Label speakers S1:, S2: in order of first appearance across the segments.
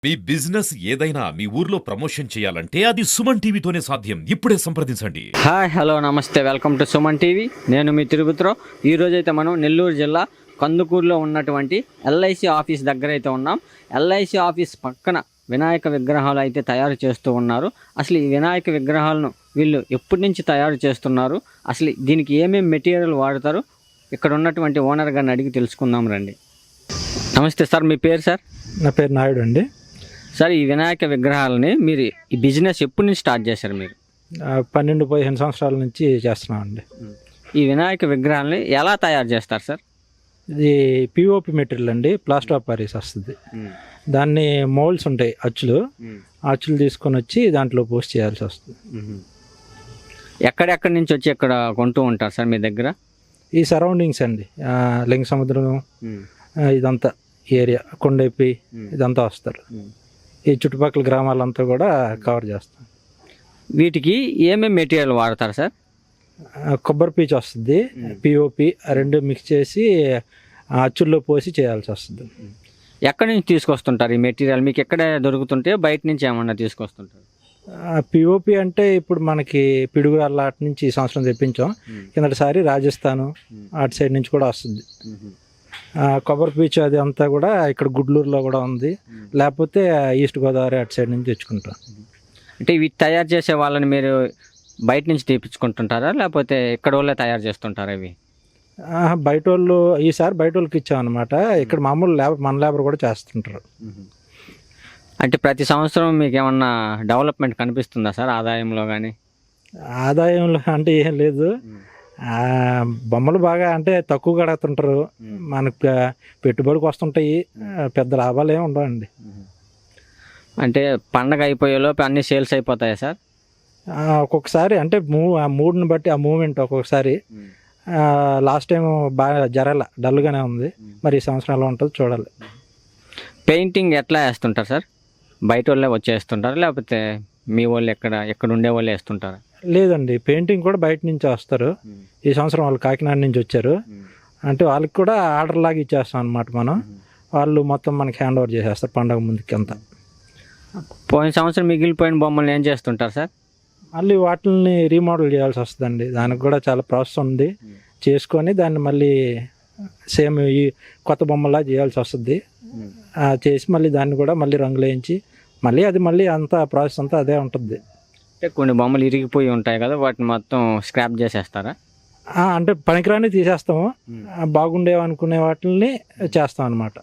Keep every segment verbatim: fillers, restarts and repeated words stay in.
S1: మీ business ఏదైనా మీ ఊర్లో promotion చేయాలంటే అది సుమన్ టీవీతోనే సాధ్యం. ఇప్పుడే సంప్రదించండి.
S2: హాయ్ హలో నమస్తే, వెల్కమ్ టు సుమన్ టీవీ. నేను మీ తిరుపతిరావు. ఈరోజు అయితే మనం నెల్లూరు జిల్లా కందుకూరులో ఉన్నటువంటి ఎల్ఐసి ఆఫీస్ దగ్గర అయితే ఉన్నాం. ఎల్ఐసి ఆఫీస్ పక్కన వినాయక విగ్రహాలు అయితే తయారు చేస్తూ ఉన్నారు. అసలు ఈ వినాయక విగ్రహాలను వీళ్ళు ఎప్పటి నుంచి తయారు చేస్తున్నారు, అసలు దీనికి ఏమేమి మెటీరియల్ వాడతారు, ఇక్కడ ఉన్నటువంటి ఓనర్ గారిని అడిగి తెలుసుకుందాం రండి. నమస్తే సార్, మీ పేరు సార్?
S3: నా పేరు నాయుడు అండి.
S2: సార్, ఈ వినాయక విగ్రహాలని మీరు ఈ బిజినెస్ ఎప్పటి నుంచి స్టార్ట్ చేశారు? మీరు
S3: పన్నెండు పదిహేను సంవత్సరాల నుంచి చేస్తున్నామండి.
S2: ఈ వినాయక విగ్రహాలని ఎలా తయారు చేస్తారు సార్?
S3: ఇది పిఓపి మెటీరియల్ అండి, ప్లాస్టర్ ఆఫ్ పారిస్ వస్తుంది. దాన్ని మోల్డ్స్ ఉంటాయి, అచ్చులు అచ్చులు తీసుకొని వచ్చి దాంట్లో పోస్ట్ చేయాల్సి వస్తుంది.
S2: ఎక్కడెక్కడి నుంచి వచ్చి ఇక్కడ కొంటూ ఉంటారు సార్ మీ దగ్గర?
S3: ఈ సరౌండింగ్స్ అండి, లింగ సముద్రం ఇదంతా ఏరియా, కొండైపి ఇదంతా వస్తారు. ఈ చుట్టుపక్కల గ్రామాలంతా కూడా కవర్ చేస్తాం.
S2: వీటికి ఏమేమి మెటీరియల్ వాడతారు సార్?
S3: కొబ్బరి పీచు వస్తుంది, పిఓపి రెండు మిక్స్ చేసి అచ్చుల్లో పోసి చేయాల్సి వస్తుంది.
S2: ఎక్కడి నుంచి తీసుకొస్తుంటారు ఈ మెటీరియల్? మీకు ఎక్కడ దొరుకుతుంటే బయట నుంచి ఏమన్నా తీసుకొస్తుంటారు?
S3: పిఓపి అంటే ఇప్పుడు మనకి పిడుగు అటు నుంచి ఈ సంవత్సరం తెప్పించాం. కిందటిసారి రాజస్థాన్ అటు సైడ్ నుంచి కూడా వస్తుంది. కొబ్బరి పీచు అది అంతా కూడా ఇక్కడ గుడ్లూరులో కూడా ఉంది, లేకపోతే ఈస్ట్ గోదావరి అటు సైడ్ నుంచి తెచ్చుకుంటాం.
S2: అంటే ఇవి తయారు చేసే వాళ్ళని మీరు బయట నుంచి తెప్పించుకుంటుంటారా, లేకపోతే ఇక్కడ వాళ్ళే తయారు చేస్తుంటారా ఇవి?
S3: బయట వాళ్ళు ఈసారి బయట వాళ్ళకి ఇచ్చామన్నమాట. ఇక్కడ మామూలు లేబర్, మన లేబర్ కూడా చేస్తుంటారు.
S2: అంటే ప్రతి సంవత్సరం మీకు ఏమన్నా డెవలప్మెంట్ కనిపిస్తుందా సార్ ఆదాయంలో కానీ?
S3: ఆదాయంలో అంటే ఏం లేదు, బొమ్మలు బాగా అంటే తక్కువ కడుగుతుంటారు, మనకు పెట్టుబడికి వస్తుంటాయి, పెద్ద లాభాలు ఏమి ఉండవండి.
S2: అంటే పండగ అయిపోయేలోపు అన్ని సేల్స్ అయిపోతాయా సార్?
S3: ఒక్కొక్కసారి అంటే మూ ఆ మూడ్ని బట్టి ఆ మూమెంట్ ఒక్కొక్కసారి. లాస్ట్ టైం బాగా జరగల, డల్గానే ఉంది. మరి ఈ సంవత్సరం ఎలా ఉంటుందో చూడాలి.
S2: పెయింటింగ్ ఎట్లా వేస్తుంటారు సార్? బయట వాళ్ళే వచ్చేస్తుంటారు, లేకపోతే మీ వాళ్ళు ఎక్కడ ఎక్కడ ఉండే వాళ్ళే వేస్తుంటారా?
S3: లేదండి, పెయింటింగ్ కూడా బయట నుంచి వస్తారు. ఈ సంవత్సరం వాళ్ళు కాకినాడ నుంచి వచ్చారు. అంటే వాళ్ళకి కూడా ఆర్డర్ లాగా ఇచ్చేస్తాం అనమాట మనం. వాళ్ళు మొత్తం మనకి హ్యాండ్ ఓవర్ చేసేస్తారు పండగ ముందుకి అంతా.
S2: పోయిన సంవత్సరం మిగిలిపోయిన బొమ్మలు ఏం చేస్తుంటారు సార్?
S3: మళ్ళీ వాటిని రీమోడల్ చేయాల్సి వస్తుందండి. దానికి కూడా చాలా ప్రాసెస్ ఉంది. చేసుకొని దాన్ని మళ్ళీ సేమ్ ఈ కొత్త బొమ్మలా చేయాల్సి వస్తుంది. చేసి మళ్ళీ దాన్ని కూడా మళ్ళీ రంగులు వేయించి మళ్ళీ అది మళ్ళీ అంతా ప్రాసెస్ అంతా అదే ఉంటుంది.
S2: అంటే కొన్ని బొమ్మలు ఇరిగిపోయి ఉంటాయి కదా, వాటిని మొత్తం స్క్రాప్ చేసేస్తారా?
S3: అంటే పనికిరాని తీసేస్తాము, బాగుండేవి అనుకునే వాటిని చేస్తాం అనమాట.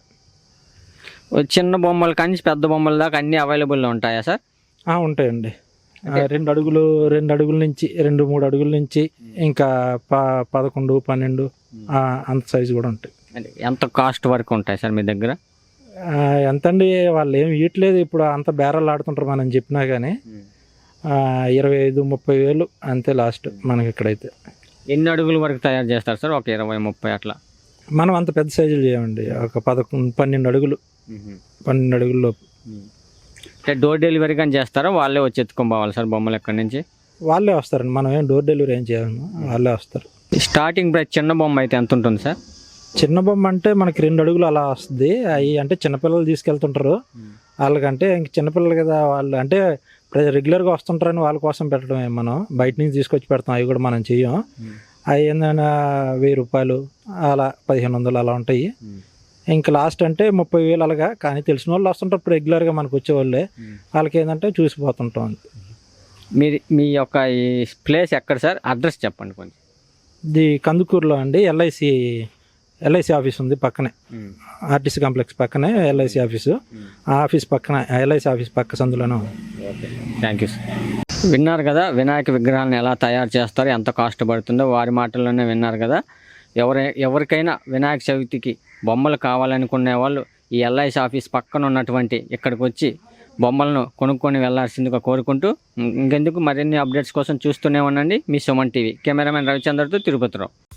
S2: చిన్న బొమ్మలు కానీ పెద్ద బొమ్మల దాకా అన్నీ అవైలబుల్లో ఉంటాయా సార్?
S3: ఉంటాయండి. రెండు అడుగులు రెండు అడుగుల నుంచి రెండు మూడు అడుగుల నుంచి ఇంకా ప పదకొండు పన్నెండు అంత సైజు కూడా ఉంటాయి.
S2: అంటే ఎంత కాస్ట్ వరకు ఉంటాయి సార్ మీ దగ్గర?
S3: ఎంతండి, వాళ్ళు ఏమి ఇవ్వట్లేదు ఇప్పుడు, అంత బేరాలు ఆడుతుంటారు మనం చెప్పినా కానీ. ఇరవై ఐదు ముప్పై వేలు అంతే లాస్ట్ మనకి ఇక్కడైతే.
S2: ఎన్ని అడుగుల వరకు తయారు చేస్తారు సార్? ఒక ఇరవై ముప్పై అట్లా?
S3: మనం అంత పెద్ద సైజులు చేయమండి, ఒక పదకొండు పన్నెండు అడుగులు పన్నెండు అడుగుల్లో.
S2: అంటే డోర్ డెలివరీ కానీ చేస్తారా, వాళ్ళే వచ్చి ఎత్తుకొని పోవాలి సార్ బొమ్మలు ఎక్కడి నుంచి?
S3: వాళ్ళే వస్తారండి, మనం ఏం డోర్ డెలివరీ ఏం చేయాలి, వాళ్ళే వస్తారు.
S2: స్టార్టింగ్ ప్రైస్ చిన్న బొమ్మ అయితే ఎంత ఉంటుంది సార్?
S3: చిన్న బొమ్మ అంటే మనకి రెండు అడుగులు అలా వస్తుంది. అవి అంటే చిన్నపిల్లలు తీసుకెళ్తుంటారు, వాళ్ళకంటే ఇంక చిన్నపిల్లలు కదా వాళ్ళు, అంటే రెగ్యులర్గా వస్తుంటారని వాళ్ళ కోసం పెట్టడమే. మనం బయట నుంచి తీసుకొచ్చి పెడతాం, అవి కూడా మనం చెయ్యం. అవి ఏంటంటే వెయ్యి రూపాయలు అలా పదిహేను వందలు అలా ఉంటాయి. ఇంకా లాస్ట్ అంటే ముప్పై వేలు అలాగా. కానీ తెలిసిన వాళ్ళు వస్తుంటారు ఇప్పుడు రెగ్యులర్గా మనకు వచ్చేవాళ్ళే, వాళ్ళకి ఏంటంటే చూసిపోతుంటాం.
S2: మీరు మీ యొక్క ఈ ప్లేస్ ఎక్కడ సార్? అడ్రస్ చెప్పండి కొంచెం.
S3: ఇది కందుకూరులో అండి, ఎల్ఐసి ఎల్ఐసి ఆఫీస్ ఉంది పక్కనే, ఆర్టీసీ కాంప్లెక్స్ పక్కనే ఎల్ఐసి ఆఫీసు. ఆ ఆఫీస్ పక్కన ఎల్ఐసి ఆఫీస్ పక్క సందులోనే ఉంది.
S2: Thank you sir. విన్నారు కదా వినాయక విగ్రహాలను ఎలా తయారు చేస్తారో, ఎంత కాస్ట్ పడుతుందో వారి మాటల్లోనే విన్నారు కదా. ఎవరి ఎవరికైనా వినాయక చవితికి బొమ్మలు కావాలనుకునే వాళ్ళు ఈ ఎల్ఐసి ఆఫీస్ పక్కన ఉన్నటువంటి ఇక్కడికి వచ్చి బొమ్మలను కొనుక్కొని వెళ్లాల్సిందిగా కోరుకుంటూ, ఇంకెందుకు మరిన్ని అప్డేట్స్ కోసం చూస్తూనే ఉండండి మీ సుమన్ టీవీ. కెమెరామెన్ రవిచంద్రతో తిరుపతిరావు.